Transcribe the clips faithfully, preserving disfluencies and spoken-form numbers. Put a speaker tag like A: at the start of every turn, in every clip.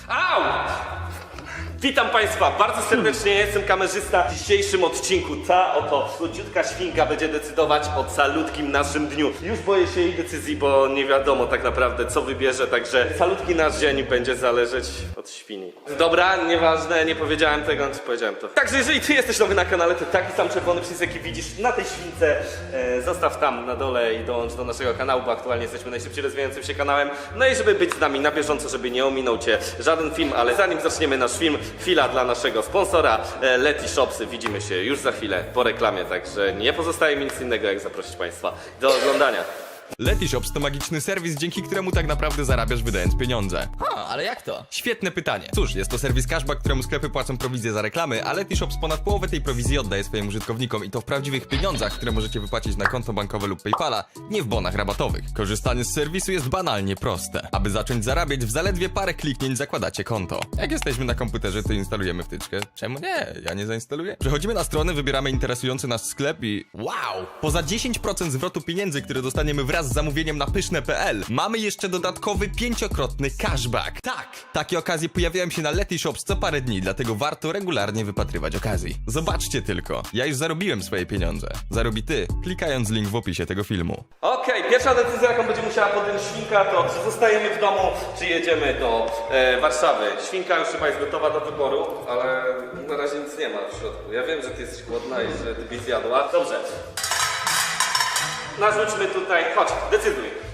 A: Au! Witam Państwa bardzo serdecznie, jestem kamerzysta. W dzisiejszym odcinku ta oto słodziutka świnka będzie decydować o calutkim naszym dniu. Już boję się jej decyzji, bo nie wiadomo tak naprawdę co wybierze, także calutki nasz dzień będzie zależeć od świni. Dobra, nieważne, nie powiedziałem tego, czy powiedziałem to. Także jeżeli Ty jesteś nowy na kanale, to taki sam czerwony przycisk jaki widzisz na tej śwince, e, zostaw tam na dole i dołącz do naszego kanału, bo aktualnie jesteśmy najszybciej rozwijającym się kanałem. No i żeby być z nami na bieżąco, żeby nie ominął Cię żaden film, ale zanim zaczniemy nasz film, chwila dla naszego sponsora Leti Shopsy. Widzimy się już za chwilę po reklamie, także nie pozostaje mi nic innego jak zaprosić Państwa do oglądania.
B: Leti Shops to magiczny serwis, dzięki któremu tak naprawdę zarabiasz wydając pieniądze.
C: Ha, ale jak to?
B: Świetne pytanie. Cóż, jest to serwis cashback, któremu sklepy płacą prowizję za reklamy, a Leti Shops ponad połowę tej prowizji oddaje swoim użytkownikom i to w prawdziwych pieniądzach, które możecie wypłacić na konto bankowe lub PayPala, nie w bonach rabatowych. Korzystanie z serwisu jest banalnie proste. Aby zacząć zarabiać, w zaledwie parę kliknięć zakładacie konto. Jak jesteśmy na komputerze, to instalujemy wtyczkę. Czemu nie? Ja nie zainstaluję. Przechodzimy na stronę, wybieramy interesujący nas sklep i wow! Poza dziesięć procent zwrotu pieniędzy, które dostaniemy wraz z zamówieniem na pyszne kropka p l, mamy jeszcze dodatkowy pięciokrotny cashback. Tak! Takie okazje pojawiają się na Leti Shops co parę dni, dlatego warto regularnie wypatrywać okazji. Zobaczcie tylko, ja już zarobiłem swoje pieniądze. Zarobi ty, klikając link w opisie tego filmu.
A: Okej, okay, pierwsza decyzja, jaką będzie musiała podjąć świnka, to czy zostajemy w domu, czy jedziemy do e, Warszawy. Świnka już chyba jest gotowa do wyboru, ale na razie nic nie ma w środku. Ja wiem, że ty jesteś głodna i że ty byś zjadła. Dobrze. Narzućmy tutaj, chodź, decyduj.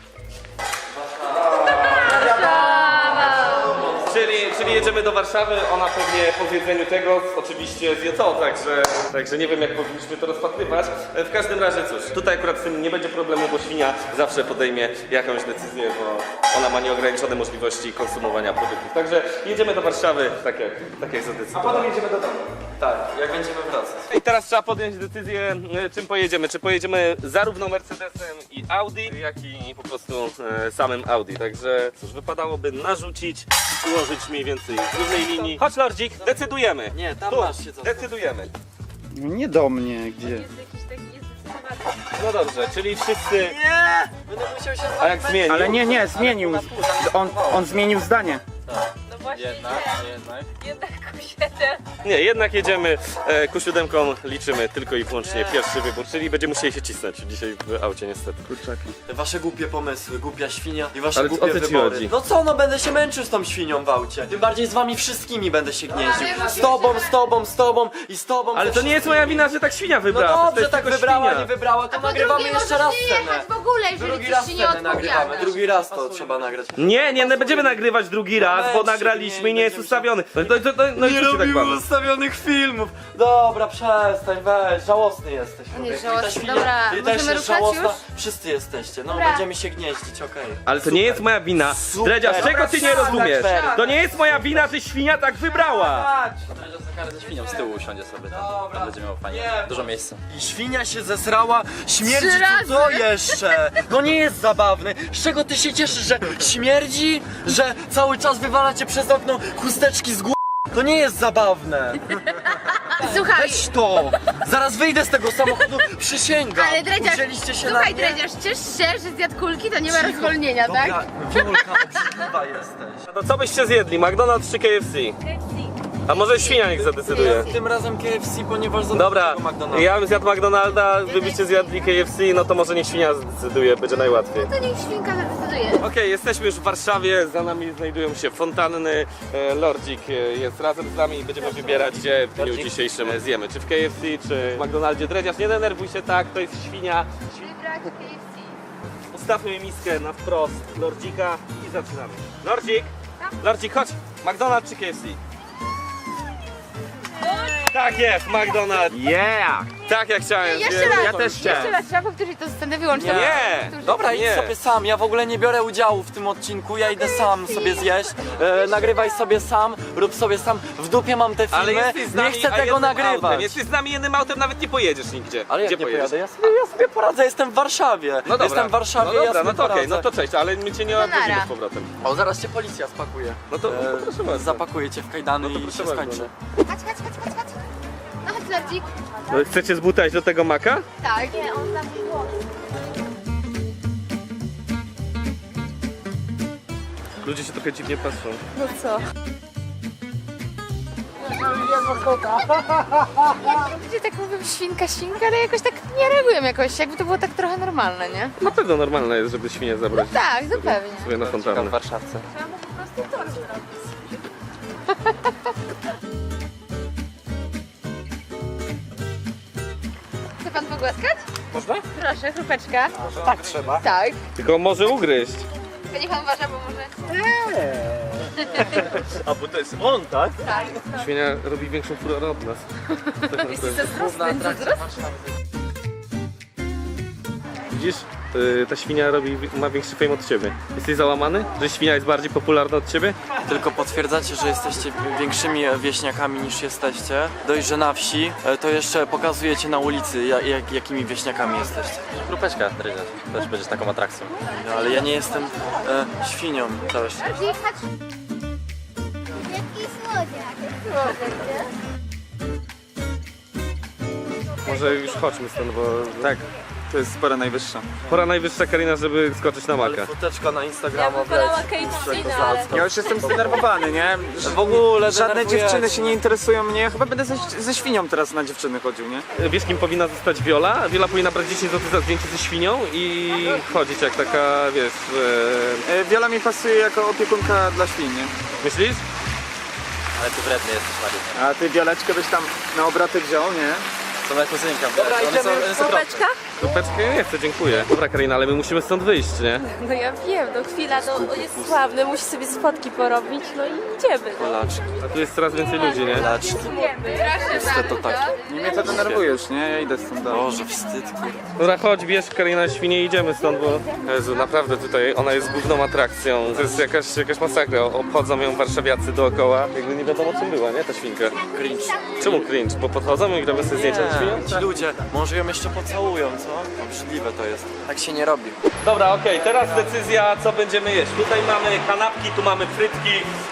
A: Czyli, czyli jedziemy do Warszawy, ona pewnie po zjedzeniu tego oczywiście zje to, także, także nie wiem jak powinniśmy to rozpatrywać. W każdym razie cóż, tutaj akurat z tym nie będzie problemu, bo świnia zawsze podejmie jakąś decyzję, bo ona ma nieograniczone możliwości konsumowania produktów. Także jedziemy do Warszawy, tak jak, tak jak zadecydowałem.
D: A potem jedziemy do domu. Tak, jak będziemy wracać.
A: I teraz trzeba podjąć decyzję, czym pojedziemy. Czy pojedziemy zarówno Mercedesem i Audi, jak i po prostu e, samym Audi. Także cóż, wypadałoby narzucić, ułożyć mniej więcej w równej linii. Chodź Lordzik, decydujemy.
D: Nie, tam
A: Tu,
D: masz się co.
A: decydujemy.
E: No nie do mnie, gdzie?
F: Jest jakiś taki niezdecydowany.
A: No dobrze, czyli wszyscy...
D: Nie! Będę musiał się
A: A jak zmienił?
E: Ale nie, nie, zmienił. On, on zmienił zdanie.
F: No właśnie,
D: Jednak,
F: nie.
D: jednak.
F: Jednak Q siedem.
A: Nie, jednak jedziemy e, ku siódemką, liczymy tylko i wyłącznie pierwszy wybór, czyli będziemy musieli się cisnąć dzisiaj w aucie niestety.
E: Kurczaki.
D: Te wasze głupie pomysły, głupia świnia i wasze
A: Ale
D: głupie
A: o co ci
D: wybory.
A: chodzi?
D: No co, no będę się męczył z tą świnią w aucie. Tym bardziej z wami wszystkimi będę się gnieździł.
F: Ale
D: Z tobą, z tobą, z tobą i z tobą.
A: Ale
D: ze
A: to nie jest moja
D: wszystkimi.
A: wina, że tak świnia
D: No
A: wybrała. to
D: dobrze,
A: jest
D: tak
A: tylko
D: wybrała,
A: świnia.
D: nie wybrała, to
F: A po
D: nagrywamy
F: drugie
D: jeszcze
F: możesz
D: raz
F: nie jechać
D: scenę.
F: w ogóle, jeżeli
D: Drugi
F: coś
D: raz
F: ci nie
D: scenę nagrywamy,
F: odpowiada.
D: drugi raz to trzeba nagrać.
A: Nie, nie, nie będziemy nagrywać drugi raz, bo
D: Momencik,
A: nagraliśmy
D: nie,
A: i nie jest
D: będziemy
A: ustawiony. No, no, no, no, no i
D: Nie
A: co ci tak
D: robimy
A: mamy?
D: ustawionych filmów. Dobra, przestań, weź, żałosny jesteś.
F: nie
D: człowieku. I ta
F: żałosny,
D: świnia-
F: dobra,
D: Ty też
F: możemy
D: jest
F: ruszać
D: żałosna.
F: już?
D: Wszyscy jesteście, no
F: Dobra.
D: będziemy się gnieździć, okej.
A: Ale to nie jest moja wina.
D: Super.
A: Dredziarz, czego
D: Dobra,
A: ty nie
D: siadaj,
A: rozumiesz?
D: Fer.
A: To nie jest moja wina, że świnia tak wybrała.
C: Ze świnią z tyłu usiądzie sobie tam.
D: Dobra.
C: Tam będzie miał fajnie.
D: Nie.
C: Dużo miejsca.
D: I świnia się zesrała, śmierdzi
F: Trzy
D: tu co
F: razy.
D: jeszcze? No nie jest zabawny. Z czego ty się cieszysz, że śmierdzi? Że cały czas wywalacie przez okno chusteczki z głowy? To nie jest zabawne.
F: Słuchaj,
D: Weź to! Zaraz wyjdę z tego samochodu, przysięgam.
F: ale Dredziarz,
D: Uwzięliście się
F: słuchaj
D: na mnie?
F: Dredziarz, ciesz się, że zjadł kulki, to nie ma
D: Cicho.
F: rozwolnienia,
D: Dobra,
F: tak?
D: Wiolka, obrzydliwa jesteś.
A: No co byście zjedli? McDonald's czy K F C? A może świnia niech zadecyduje?
D: Tym razem K F C, ponieważ za
A: Dobra,
D: dużego McDonalda.
A: ja bym zjadł McDonalda, wy byście zjadli K F C, no to może niech świnia zdecyduje, będzie najłatwiej.
F: To niech świnka zadecyduje.
A: Okej, jesteśmy już w Warszawie, za nami znajdują się fontanny, e, Lordzik e, jest razem z nami i będziemy wybierać, gdzie w dniu
D: Lordzik?
A: dzisiejszym e, zjemy, czy w K F C, czy w McDonaldzie. Dredziarz, nie denerwuj się tak, to jest świnia.
F: Wybrać K F C.
A: Ustawmy miskę na wprost Lordzika i zaczynamy. Lordzik, Lordzik, chodź, McDonald's czy K F C? Tak jest, McDonald's.
E: Yeah!
A: Tak jak chciałem.
F: Jeszcze
A: zjem.
F: raz,
E: Ja też chciałem.
F: jeszcze raz, trzeba powtórzyć tę scenę, wyłącz to.
A: Nie.
F: Powtórzyć.
D: Dobra, idź
A: Nie.
D: sobie sam, ja w ogóle nie biorę udziału w tym odcinku, ja idę sam sobie zjeść, e, nagrywaj sobie sam, rób sobie sam, w dupie mam te
A: Ale
D: filmy,
A: jesteś z nami,
D: nie chcę
A: a
D: tego
A: jednym
D: nagrywać.
A: Autem. Jesteś z nami jednym autem, nawet nie pojedziesz nigdzie.
D: Ale jak
A: Gdzie
D: nie
A: pojedziesz?
D: pojadę, ja sobie, ja sobie poradzę, jestem w Warszawie,
A: No dobra.
D: jestem w Warszawie,
A: no dobra,
D: ja sobie
A: no to okej,
D: poradzę.
A: no to cześć, ale my cię nie
F: No
A: odwiedzimy
F: nara.
A: z powrotem.
D: O, zaraz cię policja spakuje.
A: No to, no to proszę bardzo.
D: Zapakuje cię w kajdany
A: No to
D: i
A: proszę
D: się
A: bardzo,
D: skończy.
F: Chodź, chodź, chodź, chodź, chodź. No chodź Lordzik.
A: No, chcecie zbutać do tego maka?
F: Tak. Nie, on tam było.
A: Ludzie się trochę dziwnie patrzą.
F: No co? Ludzie tak mówią świnka, świnka, ale jakoś tak nie reagują jakoś, jakby to było tak trochę normalne, nie?
A: Na pewno normalne jest, żeby świnię zabrać
F: Tak, zupełnie.
A: sobie na fontannę.
C: W Warszawce.
F: Chce pan pogłaskać? Można? Proszę, chrupeczka.
E: Tak trzeba.
F: Tak.
A: Tylko może ugryźć.
F: Tylko niech pan uważa, bo może...
D: A bo to jest on, tak?
F: Tak.
A: Świnia robi większą furorę od nas.
C: Główna atrakcja Warszawy.
A: Widzisz? Yy, ta świnia robi, ma większy fame od ciebie. Jesteś załamany? Że świnia jest bardziej popularna od ciebie?
D: Tylko potwierdzacie, że jesteście większymi wieśniakami niż jesteście. Dość, że na wsi, e, to jeszcze pokazujecie na ulicy, ja- jak, jakimi wieśniakami jesteście.
C: Grupeczka, Drydziarz. Też będziesz taką atrakcją.
D: No, ale ja nie jestem e, świnią. Całe szczęście.
F: Jechać.
G: Jaki słodziak. Słodziak,
A: Może już chodźmy stąd, bo
E: Tak, to jest pora najwyższa.
A: pora najwyższa, Karina, żeby skoczyć na maka.
D: Foteczka na Instagrama,
E: Ja już jestem zdenerwowany, nie? Że
D: W ogóle
E: żadne
D: denerwujecie.
E: dziewczyny się nie interesują mnie. Ja chyba będę ze, ze świnią teraz na dziewczyny chodził, nie?
A: Wiesz, kim powinna zostać Viola? Viola powinna brać dziesięć złotych za zdjęcie ze świnią i chodzić jak taka, wiesz, e...
E: E, Wiola mi pasuje jako opiekunka dla świn, nie?
A: myślisz?
C: Ale ty wredny jesteś, Mariusz.
E: A ty Wioleczkę byś tam na obroty wziął, nie?
C: To moja kuzynka. Dobra, idziemy.
H: Kropeczka?
A: Kupeczkę nie chcę, dziękuję. Dobra, Karina, ale my musimy stąd wyjść, nie?
H: No ja wiem, no chwila, no on jest sławny, musi sobie spotki porobić, no i idziemy.
D: Polaczki,
A: A tu jest coraz więcej ludzi, nie?
D: polaczki.
F: Proszę
D: to tak.
E: Nie mnie to denerwuje już, nie? Ja idę stąd dalej.
D: Boże, wstyd, kurde.
A: Dobra, chodź, bierz Karina świnię i idziemy stąd, bo... Jezu, naprawdę tutaj ona jest główną atrakcją. To jest jakaś, jakaś masakra. Obchodzą ją warszawiacy dookoła. Jakby nie wiadomo czym była, nie? Ta świnka.
D: Cringe.
A: Czemu cringe? Bo podchodzą i robią sobie zdjęcia ze świnią?
D: Ci ludzie, może ją jeszcze pocałują, co? Obrzydliwe to jest. Tak się nie robi.
A: Dobra, okej, teraz decyzja, co będziemy jeść. Tutaj mamy kanapki, tu mamy frytki.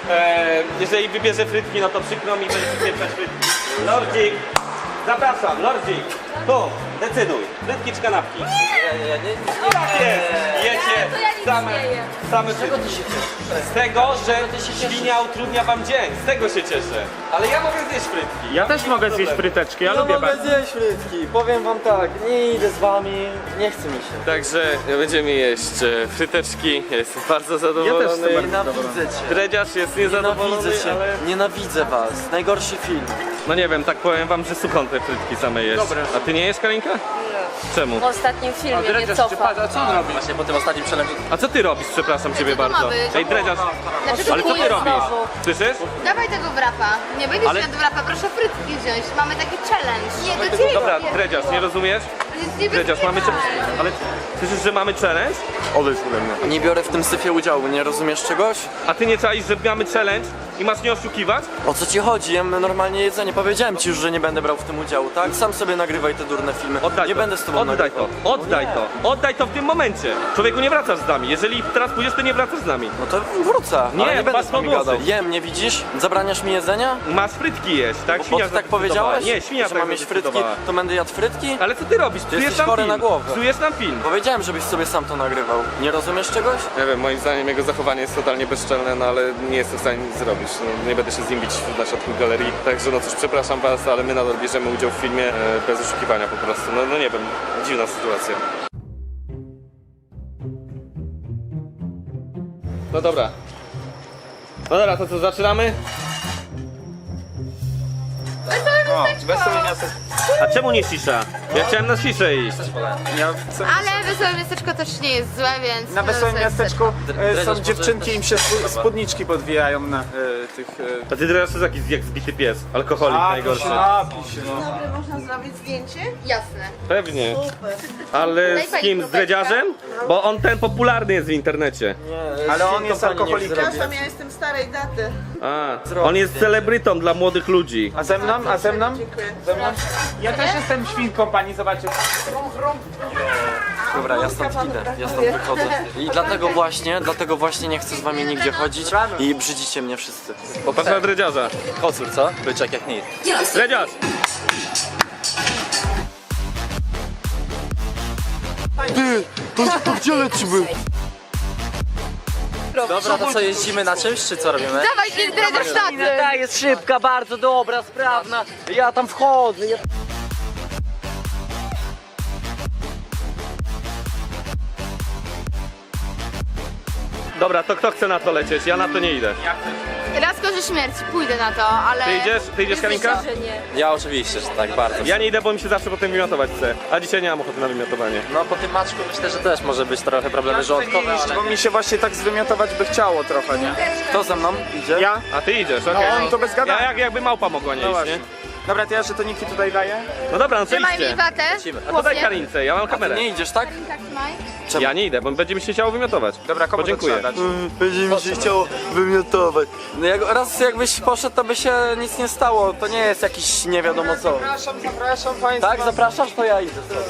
A: E, jeżeli wybierze frytki, no to przykro mi, będzie pieprzać frytki. Lordzik, zapraszam, Lordzik. Tu, decyduj. Frytki czy kanapki?
C: Nie, nie, nie.
A: Tak jest, jecie
H: to ja nic
A: same,
H: nie jem.
A: same frytki. Z tego, że świnia utrudnia wam dzień, z tego się cieszę. Ale ja mogę zjeść frytki.
E: Ja też mogę zjeść fryteczki, ja lubię bardzo.
D: zjeść frytki, powiem wam tak, nie idę z wami, nie chce mi się.
A: Także będziemy jeść e, fryteczki. Ja jestem bardzo
E: Ja też
A: zadowolony.
E: jestem bardzo
D: Nienawidzę cię.
A: Dredziarz jest niezadowolony,
D: Nienawidzę cię,
A: ale...
D: nienawidzę was. Najgorszy film.
A: No nie wiem, tak powiem wam, że suchą te frytki same jesz. A ty nie jesz, Karinka? Czemu?
H: W ostatnim filmie nie cofa.
C: Właśnie po tym ostatnim challenge.
A: A co ty robisz, przepraszam ciebie
F: to ma
A: bardzo?
F: być?
A: Ej, Dredziarz,
F: Dlaczego
A: ale co ty
F: kujesz
A: robisz?
F: znowu?
A: Słyszysz?
F: Dawaj tego wrapa. Nie będziesz
A: Ale-
F: ale... jadł wrapa, proszę frytki wziąć. Mamy taki challenge. Nie, do ciebie.
A: Dobra, Dredziarz, nie rozumiesz?
F: Nie
A: Dredziarz, mamy... cze- Ale słyszysz, że mamy challenge? Odejdź ode mnie.
D: Nie biorę w tym syfie udziału, nie rozumiesz czegoś?
A: A ty nie czaisz, że mamy challenge i masz nie oszukiwać?
D: O co ci chodzi? Jem normalnie jedzenie. Powiedziałem ci już, że nie będę brał w tym udziału, tak? Sam sobie nagrywaj te durne filmy.
A: Oddaj
D: nie
A: to.
D: będę z tobą
A: Oddaj
D: nagrywał.
A: to, oddaj to, oddaj to w tym momencie. Człowieku, nie wracasz z nami. Jeżeli teraz pójdziesz, to nie wracasz z nami.
D: No to wrócę,
A: Nie,
D: ale nie będę
A: patrz
D: z wami
A: na włosy.
D: gadał. Jem, nie widzisz? Zabraniasz mi jedzenia?
A: Masz frytki jeść, tak?
D: Bo, bo
A: Świnia
D: ty tak
A: zadecydowała.
D: powiedziałeś?
A: Nie, świnia
D: że
A: tak
D: mam mieć frytki,
A: zadecydowała.
D: to będę jadł frytki?
A: Ale co ty robisz? Psujesz
D: jesteś
A: nam
D: chory
A: film.
D: na głowę.
A: Psujesz nam film.
D: Powiedziałem, żebyś sobie sam to nagrywał. Nie rozumiesz czegoś?
A: Nie wiem, moim zdaniem jego zachowanie jest totalnie bezczelne, no ale nie jestem w stanie nic zrobić. No, nie będę się z nim bić na środku galerii. Także no cóż, przepraszam was, ale my nadal bierzemy udział w filmie e, bez oszukiwania po prostu. No, no nie wiem, dziwna sytuacja. No dobra. No dobra, to co, zaczynamy?
E: O, wesołe miasto.
A: A czemu nie cisza? Ja chciałem na ciszę iść.
E: Ja chcę...
F: Ale wesołe miasteczko też nie jest złe, więc...
E: Na
F: no,
E: wesołym
F: wesołe
E: miasteczku e,
D: Dredziarz,
E: są
D: może
E: dziewczynki, im się spu- spódniczki podwijają na e, tych... E...
A: A ty teraz jest jakiś jak zbity pies, alkoholik
E: A, to
A: najgorszy.
E: się napij się, no.
F: Można zrobić zdjęcie? Jasne.
A: Pewnie. Ale
F: Daj
A: z
F: pani
A: kim? Z
F: próbeczkę.
A: dredziarzem? Bo on ten popularny jest w internecie.
D: Nie,
E: Ale on
D: z
E: jest
D: kompanii niech
E: alkoholikiem.
D: zrobi.
I: Ja jestem starej daty.
A: A, on jest celebrytą dla młodych ludzi.
E: A ze mną? A ze mną?
I: Dziękuję.
E: Ze mną? Ja też jestem świnką, pani zobaczy.
D: Dobra, ja stąd idę, ja stąd wychodzę. I dlatego właśnie, dlatego właśnie nie chcę z wami nigdzie chodzić i brzydzicie mnie wszyscy.
A: Popatrz na dredziarza.
C: Kocur, co? Byczek jak nic.
A: Dredziarz!
D: Ty, to, to gdzie lecimy?
C: Dobra, to co, jeździmy na czymś, czy co robimy?
F: Dawaj, ty dredziarz tacy!
D: Ta jest szybka, bardzo dobra, sprawna. Ja tam wchodzę. Ja...
A: Dobra, to kto chce na to lecieć? Ja na to nie idę.
F: Raz korzy śmierci, pójdę na to, ale...
A: Ty idziesz? Ty idziesz, Karinka?
H: Myślę, że nie.
C: Ja oczywiście, że tak, bardzo.
A: Ja nie idę, bo mi się zawsze potem wymiotować chce. A dzisiaj nie mam ochoty na wymiotowanie.
C: No po tym maczku myślę, że też może być trochę problemy żołądkowe, ale...
E: Bo mi się właśnie tak zwymiotować by chciało trochę, nie?
D: Kto ze mną idzie?
E: Ja?
A: A ty idziesz, okej.
E: No, to bez gadania.
A: Ja jak, jakby małpa mogła nie
E: No
A: iść,
E: właśnie.
A: nie?
E: Dobra, to ja żetoniki tutaj daję.
A: No dobra, no co
F: Trzymaj mi
A: iście?
F: watę.
A: A to daj Karince, ja mam kamerę.
D: Nie idziesz, tak?
F: Tak, trzymaj.
A: Ja nie idę, bo będzie mi się chciało wymiotować.
E: Dobra, komu to
A: Podziękuję.
E: trzeba dać?
D: Będzie mi się chciało wymiotować. No jak, raz jakbyś poszedł, to by się nic nie stało. To nie jest jakiś nie wiadomo co.
E: Zapraszam, zapraszam państwa.
D: Tak, zapraszasz, to ja idę.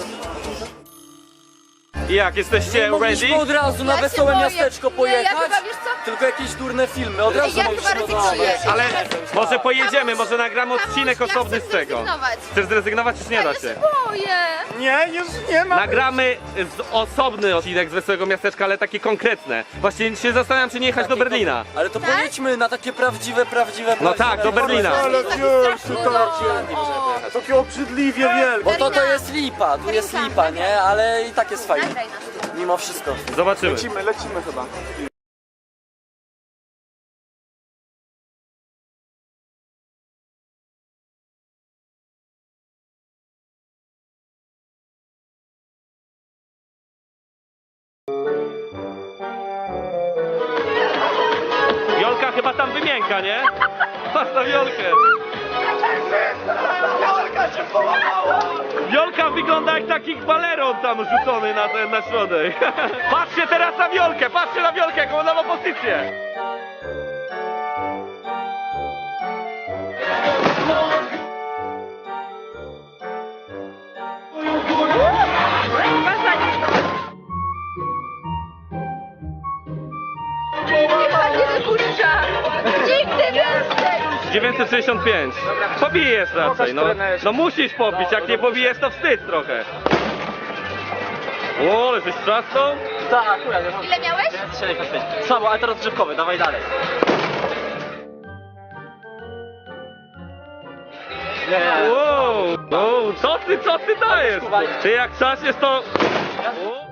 A: I jak, jesteście ready?
D: Mogliśmy od razu na
F: Ja się
D: wesołe
F: boję.
D: miasteczko
F: Nie, ja
D: pojechać.
F: chyba, wiesz co?
D: Tylko jakieś durne filmy, od razu
F: Ja
D: mogliśmy
F: chyba
D: no
F: rezygnuję.
D: dobra.
A: Ale może pojedziemy, może nagramy odcinek
F: Ja chcę
A: osobny z tego.
F: zrezygnować.
A: Chcesz zrezygnować, czy nie da
F: Ja
A: się?
F: się boję.
E: Nie, już nie ma.
A: Nagramy z osobny odcinek z Wesołego Miasteczka, ale taki konkretne. Właśnie się zastanawiam, czy nie jechać do Berlina.
D: Ale to pojedźmy na takie prawdziwe, prawdziwe,
A: No
D: prawdziwe
A: tak, do Berlina.
E: Ale
F: Taki
E: wiesz,
F: straszny
E: to
F: dom.
E: takie obrzydliwie wielkie.
D: Bo to to jest lipa, tu jest lipa, nie? Ale i tak jest fajnie.
F: Nagraj nas.
D: Mimo wszystko.
A: Zobaczymy.
E: Lecimy, lecimy chyba.
A: Wiolka chyba tam wymięka, nie? Patrz na Wiolkę. Wiolka wygląda jak taki baleron tam rzucony na, ten, na środek. Patrzcie teraz na Wiolkę, patrzcie na Wiolkę, jaką ona ma pozycję.
F: Nie wykurcza! Nigdy więcej!
A: dziewięćset sześćdziesiąt pięć. Pobijesz raczej, no. No musisz pobić, jak nie pobijesz to wstyd trochę. O, ale jesteś straszną?
D: Tak, akurat.
F: Ile miałeś?
D: sześćdziesiąt pięć. Słabo, ale to rozgrzewkowy, dawaj dalej. Nie, nie.
A: Wow, wow, co ty, co ty dajesz? Ty jak trzaśniesz to... O.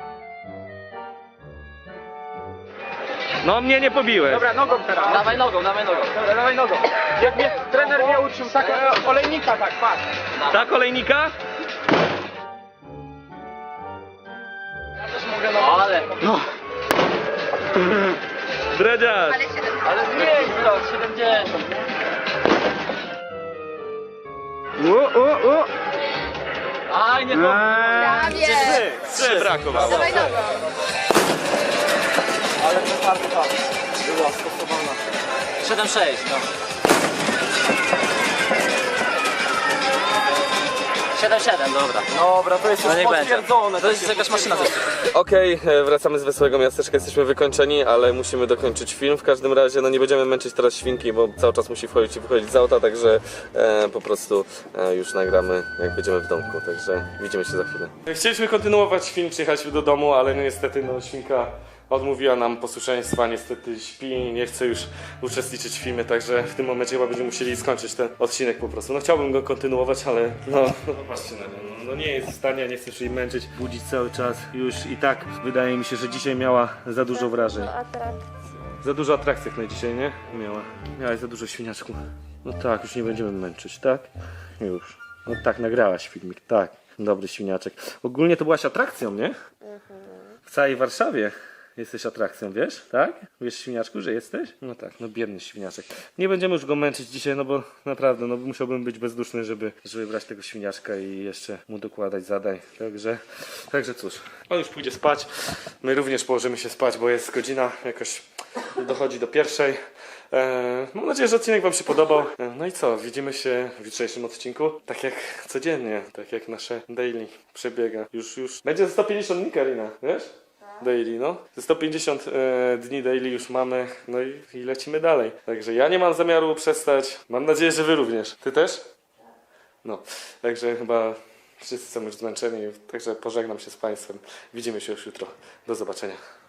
A: No mnie nie pobiłeś.
E: Dobra, nogą teraz.
D: Dawaj nogą, dawaj nogą.
E: Dobra, dawaj nogą. Jak mnie trener mnie uczył, tak e, olejnika, tak, patrz.
A: Ta kolejnika?
D: No, ale... No.
A: Dredziarz.
F: Ale siedem.
D: Ale zmień wzrok, siedemdziesiąt.
E: U, u, u.
D: Aj, nie to.
F: Prawie.
A: Trzy, trzy brakowało.
F: Dawaj nogą.
D: Ale przetarta była stosowana. siedem sześć, no. siedem siedem, dobra. Dobra, to jest
C: No
D: już
C: niech będzie.
D: potwierdzone.
C: To jest jakaś maszyna zresztą.
A: Okej, e, wracamy z Wesołego Miasteczka, jesteśmy wykończeni, ale musimy dokończyć film. W każdym razie, no nie będziemy męczyć teraz świnki, bo cały czas musi wchodzić i wychodzić z auta, także e, po prostu e, już nagramy, jak będziemy w domku, także widzimy się za chwilę. Chcieliśmy kontynuować film, przyjechać do domu, ale no niestety no świnka odmówiła nam posłuszeństwa, niestety śpi, nie chce już uczestniczyć w filmie, także w tym momencie chyba będziemy musieli skończyć ten odcinek po prostu. No chciałbym go kontynuować, ale no, no patrzcie na nią, no, no nie jest w stanie, nie chcesz jej męczyć, budzić cały czas, już i tak wydaje mi się, że dzisiaj miała za dużo wrażeń. Za dużo atrakcji jak na dzisiaj, nie? Miała. Miałaś za dużo świniaczku. No tak, już nie będziemy męczyć, tak? Już. No tak, nagrałaś filmik, tak. Dobry świniaczek. Ogólnie to byłaś atrakcją, nie? W całej Warszawie jesteś atrakcją, wiesz? Tak? Wiesz, świniaczku, że jesteś? No tak, no biedny świniaczek. Nie będziemy już go męczyć dzisiaj, no bo naprawdę, no musiałbym być bezduszny, żeby, żeby brać tego świniaczka i jeszcze mu dokładać zadań. Także, także cóż. On już pójdzie spać. My również położymy się spać, bo jest godzina jakoś dochodzi do pierwszej. Eee, mam nadzieję, że odcinek wam się podobał. Eee, no i co, widzimy się w jutrzejszym odcinku. Tak jak codziennie, tak jak nasze daily przebiega. Już, już. Będzie ze sto pięćdziesiąt dni, Karina, wiesz? Daily, no. Ze sto pięćdziesiąt e, dni daily już mamy, no i, i lecimy dalej. Także ja nie mam zamiaru przestać. Mam nadzieję, że wy również. Ty też? No. Także chyba wszyscy są już zmęczeni, także pożegnam się z państwem. Widzimy się już jutro. Do zobaczenia.